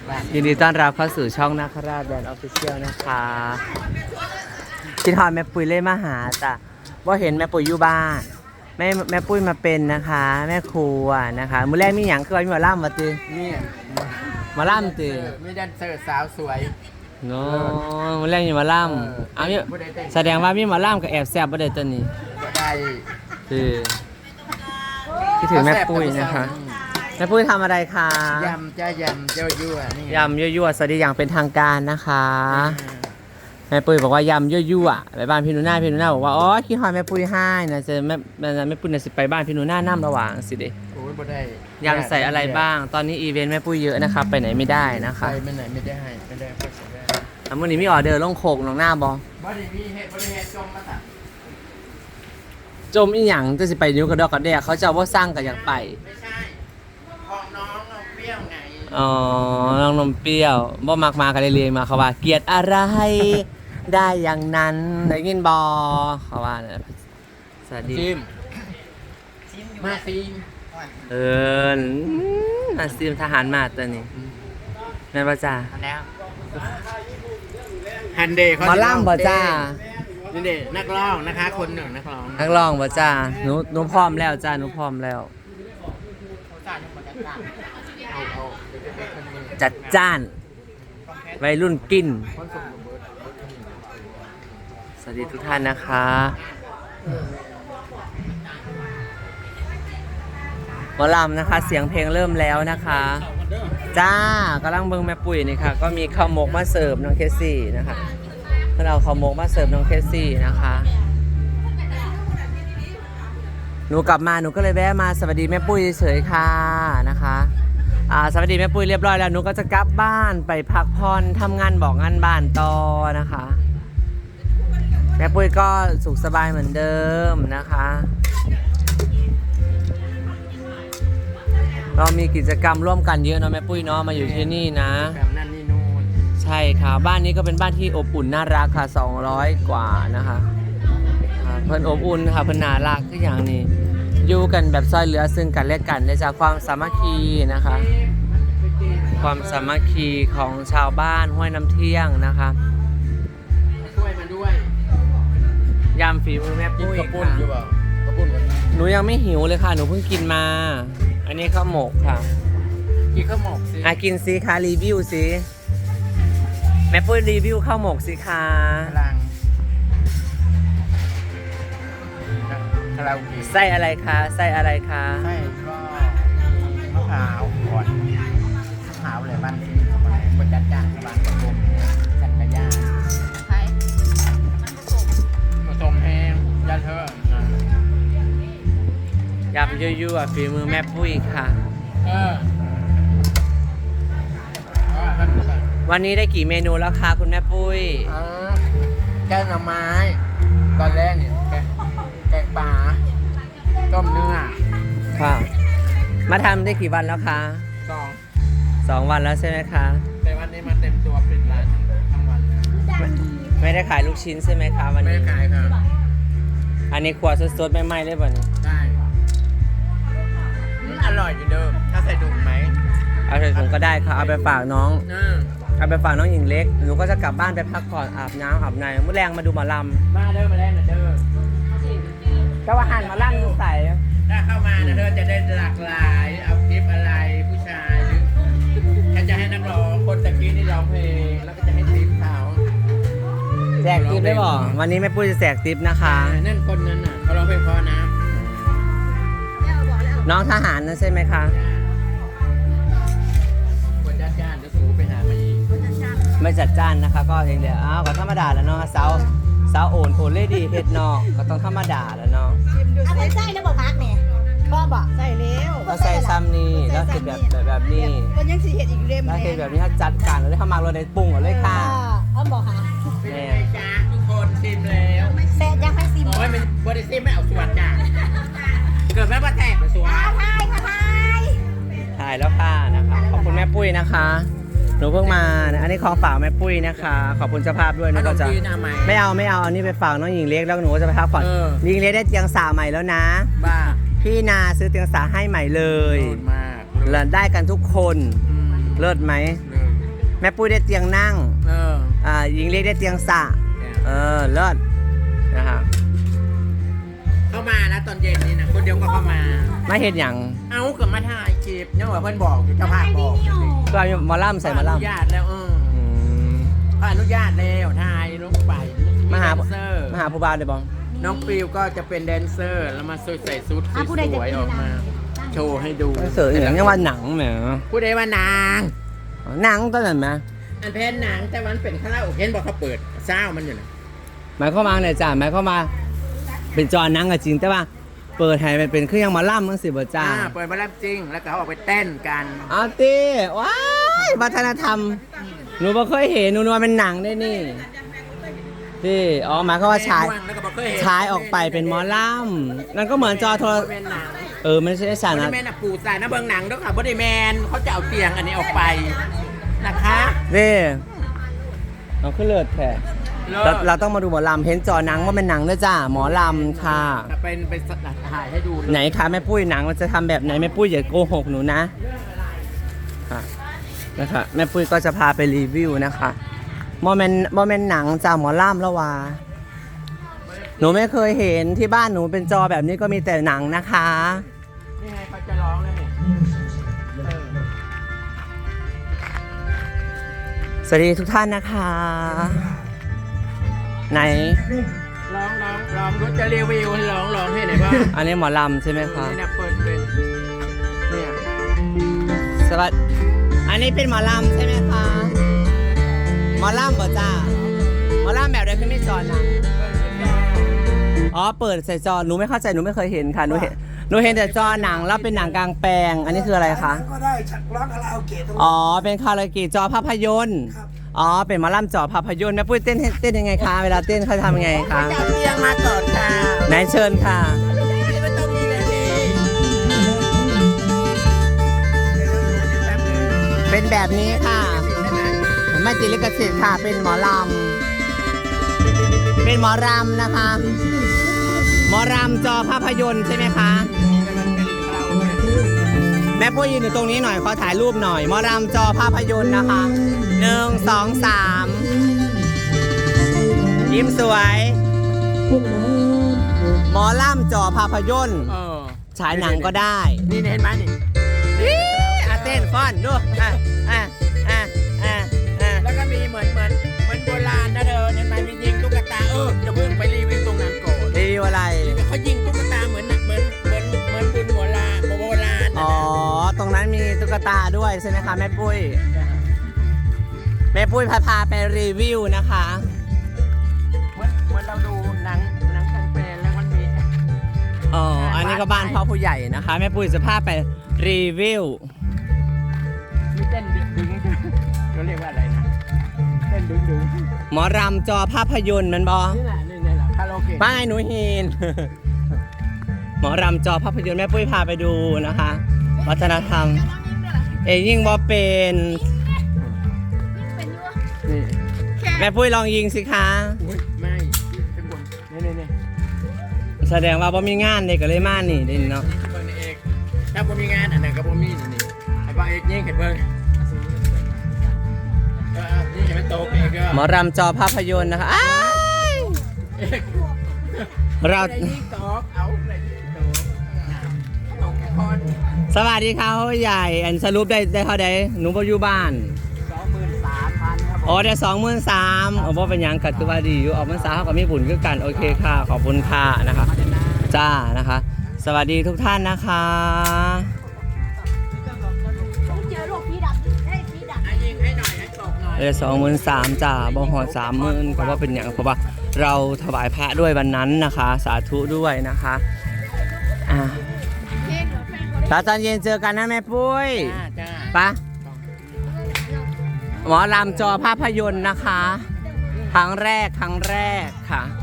ยินดีต้อนรับเข้าสู่ช่องนาคราชแบรนด์ออฟฟิเชียลนะคะคิดฮอดแม่ปุ้ยเล่มาหาจ้ะว่าเห็นแม่ปุ้ยอยู่บ้านแม่ปุ้ยมาเป็นนะคะ แม่ครัวนะคะมื้อแรกมีหยังคือว่ามีหมอล่ำมาตีนี่หมาล่ำตีมีแดนเซอร์สาวสวยโน้มื้อแรกมีหมอล่ำเอาเนี่ยแสดงว่ามีหมอล่ำกับแอบแซ่บบ่ได้ตัวนี้ก็ได้คือคิดถึงแม่ปุ้ยนะคะแม่ปุ้ยทำอะไรคะยำจ้ายำเจ้ายั่วนี่ยำยั่วๆสวัสดีอย่างเป็นทางการนะคะแม่ปุ้ยบอกว่ายำยั่วๆไปบ้านพี่หนูนาบอกว่าอ๋อคิดฮอดแม่ปุ้ยให้นะจะแม่ปุ้ยน่ะสิไปบ้านพี่หนูนาน้ำระหว่างสิเด้โอ้ยบ่ได้ยำใส่อะไรบ้าง ตอนนี้อีเวนต์แม่ปุ้ยเยอะนะคะไปไหนไม่ได้นะคะไปไม่ไหนไม่ได้ไม่ได้ก็เสียได้แล้วมื้อนี้มีออเดอร์ลงโคกน้องหน้าบอบ่ได้มีเฮ็ดบ่ได้เฮ็ดจมมาตัดจมอีหยังจะสิไปนิ้วกระดอกกระแดกเขาจะว่าสร้างกันอยากไปไม่ใช่ของน้องเอาเปรี้ยวไงอ๋อน้องนมเปรี้ยวบ่มักมากันเลยเรียนมาเขาว่าเกลียดอะไร ได้อย่างนั้นได้ยินบอเขาว่าเนี่ยสวัสดีซิมมาซิมมาซีมทหารมาตัวนี้แม่นบ่จ้าแล้วฮันเดย์หมอล่ำบ่จ้านี่เด็นักร้องนะคะคนหนึ่งนักร้องนักร้องบ่จ้าหนูพร้อมแล้วจ้าหนูพร้อมแล้วเอาคนหนึ่งจัดจ้านวัยรุ่นกินคนส่งระเบิดสวัสดีทุกท่านนะคะหมอลำนะคะเสียงเพลงเริ่มแล้วนะคะจ้ากำลังเบิ่งแม่ปุ๋ยนี่ค่ะก็มีข้าวหมกมาเสิร์ฟน้องเคสซี่นะคะเราข้าวหมกมาเสิร์ฟน้องเคสซี่นะคะหนูกลับมาหนูก็เลยแวะมาสวัสดีแม่ปุ้ยเฉยๆค่ะนะคะสวัสดีแม่ปุ้ยเรียบร้อยแล้วหนูก็จะกลับบ้านไปพักผ่อนทำงานบอกงานบ้านต่อนะคะแม่ปุ้ยก็สุขสบายเหมือนเดิมนะคะเรามีกิจกรรมร่วมกันเยอะเนาะแม่ปุ้ยเนาะมาอยู่ที่นี่นะแบบนั่นนี่นู่นใช่ค่ะบ้านนี้ก็เป็นบ้านที่อบอุ่นน่ารักค่ะ200 กว่านะคะเพิ่นอบอุ่นค่ะเพิ่นน่ารักทุกอย่างนี่อยู่กันแบบซอยเหลือซึ่งกันและกันได้จากความสามัคคีนะคะความสามัคคีของชาวบ้านห้วยน้ำเที่ยงนะคะช่วยมาด้วยยำฝีมือแม่กินปุ้ยกระปุ้นค่ะอยู่เปล่ากระปุ้นกันหนูยังไม่หิวเลยค่ะหนูเพิ่งกินมา อันนี้ข้าวหมกค่ะกินข้าวหมกสิกินสิคะรีวิวสิแม่ปุ้ยรีวิวข้าวหมกสิคะพลังคาราโอเกะไส้อะไรคะไส้อะไรคะใช่ก็มะพร้าวก่อนมะพร้าวเลยบ้านที่เข้ามาบนจัดจ้างกระบางกระปุมสันกระย่างผสมแห้งยาเธอยำยั่วๆฝีมือแม่ปุ้ยค่ะท่านผู้ชมวันนี้ได้กี่เมนูแล้วคะคุณแม่ปุ้ยแกงหน่อไม้ ตอนแรกเนี่ยแกงปลาต้มเนื้อค่ะ มาทำได้กี่วันแล้วคะสอง 2 วันแล้วใช่ไหมคะแต่วันนี้มาเต็มตัวปิดร้านทั้งวันเลยไม่ได้ขายลูกชิ้นใช่ไหมคะวันไม่นี้ได้ขายครับอันนี้ขวดสดๆไม่ไหม้เลยบ่เนี่ยได้อร่อยอยู่เดิม ถ้าใส่ถุงไหมเอาใส่ถุงก็ได้ค่ะเอาไปฝากน้อง เอาไปฝากน้องหญิงเล็กหนูก็จะกลับบ้านไปพักผ่อนอาบน้ำอาบในมื้อแรงมาดูหมอลมาเด้อมาได้นะเด้อำก็ว่าหันมาลั่นใส่ถ้าเข้ามานะเด้อจะได้หลากหลาย เอาคลิปอะไรผู้ชายหรือถ้าจะให้นักร้องคนตะกี้นี่ร้องเพลง แล้วก็จะให้ทิปเขาแจกทิปได้บ่วันนี้แม่ปุ้ยจะแจกทิปนะคะนั่นคนนั้นน่ะเขาร้องเพลงเพราะนะน้องทหารนั่นใช่ไหมคะคนญาติญาติแล้วสูไปหามาอีกไม่จัดจ้านนะคะก็อย่างเดียวอ้าวก็ธรรมดาแล้วเนาะสาวโอนเลดี้เพชรนอกก็ต้องธรรมดาแล้วเนาะเอาไปใส่แล้วบอกพักเนี่ยพ่อบอกใส่แล้วเราใส่ซ้ำนี่แล้วเห็นแบบนี้คนยังสีเห็ดอีกเล่มแล้วเห็นแบบนี้ถ้าจัดการเราได้เข้ามาเราได้ปรุงเอาเลยค่ะเอาบอกค่ะเป็นไงจ๊ะทุกคนซิมแล้วแซ่ยังให้ซิมโอ้ยมันบริซิมไม่เอาส่วนจ้ะเกิดแม่ว่าแตกไปส่วนทายค่ะทายถ่ายแล้วค่ะนะคะขอบคุณแม่ปุ้ยนะคะหนูเพิ่งมานะอันนี้ของฝากแม่ปุ้ยนะคะขอบคุณเจ้าภาพด้วยหนูก็จะจีนอะไหมไม่เอาอันนี้ไปฝากน้องหญิงเล็กแล้วหนูก็จะไปพักผ่อน หญิงเล็กได้เตียงสาใหม่แล้วนะบ้าพี่นาซื้อเตียงสาให้ใหม่เลยโดนมากเลิศได้กันทุกคนอืมเลิศไหมเลิศแม่ปุ้ยได้เตียงนั่งหญิงเล็กได้เตียงสระเลิศนะคะเข้ามานะตอนเย็นนี่นะคนเดียวก็เข้ามาไม่เห็นอย่างเอาเกือบมาถ่ายคลิปยังว่าเพื่อนบอกอยู่เจ้าภาพบอกก็เอาหมอล่ำใส่หมออนุล่ำญาตแล้วเขาอนุญาตแล้วถ่ายลงไปมาหาแดนเซอร์ผู้บ่าวเลยบ้องน้องฟิวก็จะเป็นแดนเซอร์แล้วมาใส่ชุดสวยๆออกมา โชว์ให้ดูเสืออย่างนี้ว่าหนังแหมผู้ใดว่านางหนังตอนนั้นไหมอันเพนหนังแต่วันเป็นคาราโอเกะบอกเขาเปิดเศร้ามันอยู่นะหมายเข้ามว่าเนี่ยจ้าหมายเข้ามา เป็นจอหนังก็จริงแต่ว่า เปิดให้มันเป็นเครื่องหมอล่ำมั้งสิบ่จ้าเปิดมาแล้วจริงแล้วก็เขาออกไปเต้นกันเอาตีว้ายวัฒนธรรมหนูบ่เคยเห็นหนูนึกว่าเป็นหนังได้นี่ที่อ๋อหมายความว่าฉายแล้วก็บอกเคยเห็นฉายออกไปเป็นหมอล่ำนั่นก็เหมือนจอโทรเป็นหนังไม่ใช่ฉากบนะริแมนปูสายนะเบิ้งหนังด้วยค่ะบริแมนเขาจะเอาเตียงอันนี้ออกไปนะคะนี่เอาขึ้นเลิศแท้เลิเราศต้องมาดูหมอลำเห็นจอหนังว่าเป็นหนังด้วยจ้าหมอลำค่ะเป็นถ่ายให้ดูเลยไหนคะแม่ปุ้ยหนังมันจะทำแบบไหนแม่ปุ้ยอย่าโกหกหนูนะค่ะนะคะแม่ปุ้ยก็จะพาไปรีวิวนะคะโมเมนต์หนังจากหมอล่ำแล้ววะหนูไม่เคยเห็นที่บ้านหนูเป็นจอแบบนี้ก็มีแต่หนังนะคะนี่ไงเขาจะร้องแล้วเนี่ยสวัสดีทุกท่านนะคะ ไหนร้องรู้จะรีวิวให้ร้องให้หน่อยว่าอันนี้หมอลำใช่ไหมคะนี่นะเปิดเป็นเนี่ยสวัสดีอันนี้เป็นหมอลำใช่ไหมคะหมอลำบ่จ้าหมอลำแบบเดียวขึ้นไม่จอหนังอ๋อเปิดใส่จอหนูไม่เข้าใจหนูไม่เคยเห็นค่ะหนูเห็นแต่จอหนังแล้วเป็นหนังกลางแปลง อันนี้คืออะไรคะก็ได้ฉักร้องคาราโอเกะตรงนี้อ๋อเป็นคาราโอเกะจอภาพยนตร์ครับอ๋อเป็นหมอลำจอภาพยนตร์แม่ปุ้ยเต้นยังไงคะเวลาเต้นเขาทำยังไงคะจะเอาเตียงมาก่อนค่ะไหนเชิญค่ะไม่ต้องมีเลยนี่แป๊บนึงเป็นแบบนี้ค่ะได้ไหมไม่ติดลิขสิทธิ์ค่ะ เป็นหมอลำ เป็นหมอรำนะคะ หมอรำจอภาพยนตร์ใช่ไหมคะ แม่ปุ้ยยืนอยู่ตรงนี้หน่อยขอถ่ายรูปหน่อย หมอรำจอภาพยนตร์นะคะ 1 2 3 ยิ้มสวย หมอลำจอภาพยนตร์ฉายหนังก็ได้นี่เห็นไหมนี่เต้นฟ้อนดูแล้วก็มีเหมือนโบราณนะเธอเห็นไหมมียิงตุ๊กตาจะเพิ่งไปรีวิวตรงนั้นก่อนรีวิวอะไรเขายิงตุ๊กตาเหมือนบุญโบราณอ๋อ ตรงนั้นมีตุ๊กตาด้วยใช่ไหมคะแม่ปุ้ย แม่ปุ้ยพาไปรีวิวนะคะเหมือนเราดูหนังกลางแปลงแล้วมันมีอ๋อ อันนี้ก็บ้านพ่อผู้ใหญ่นะคะ แม่ปุ้ยจะพาไปรีวิวมีเต้นดึงเขาเรียกว่าอะไรนะเต้นดึงหมอรำจอภาพยนตร์มันบอนี่แหละคาราโอเกะไม่หนูหิน หมอรำจอภาพยนตร์แม่ปุ้ยพาไปดูนะคะ วัฒนธรรม ยิ่งบอเป็นนี่แม่ปุ้ยลองยิงสิคะไม่เป็นคนนี่แสดงว่าบ่มีงานเลยก็เลยมานี่เด่นเนาะเบิ้งเอกถ้าผมมีงานอันไหนก็ผมมีนี่ไอ้บ้าเอกยิงเห็นเบิ้งนี่เห็นมันโตเอกก็หมอรำจอภาพยนตร์นะคะอ้ายเราได้ยิงตอกเอาเลยตอกคอนสวัสดีค่ะพ่อใหญ่ อันสรุปได้เท่าใดหนูบ่อยู่บ้าน 23,000ครับอ๋อได้23,000อ๋อบ่เป็นหยังก็ถือว่าดีอยู่ออกพรรษาเฮาก็มีบุญคือกันโอเคค่ะ ขอบคุณค่ะนะคะ จ้านะคะ สวัสดีทุกท่านนะคะเจอลูกพี่ดำได้พี่ดำยิงให้หน่อยให้ตกหน่อยได้23,000จ้าบ่ฮอด30,000ก็ว่าเป็นหยังเพราะว่าเราถวายพระด้วยวันนั้นนะคะ สาธุด้วยนะคะแล้วตอนเย็นเจอกันนะแม่ปุ้ยจ้าปะหมอลำจอภาพยนตร์นะคะ ครั้งแรกค่ะ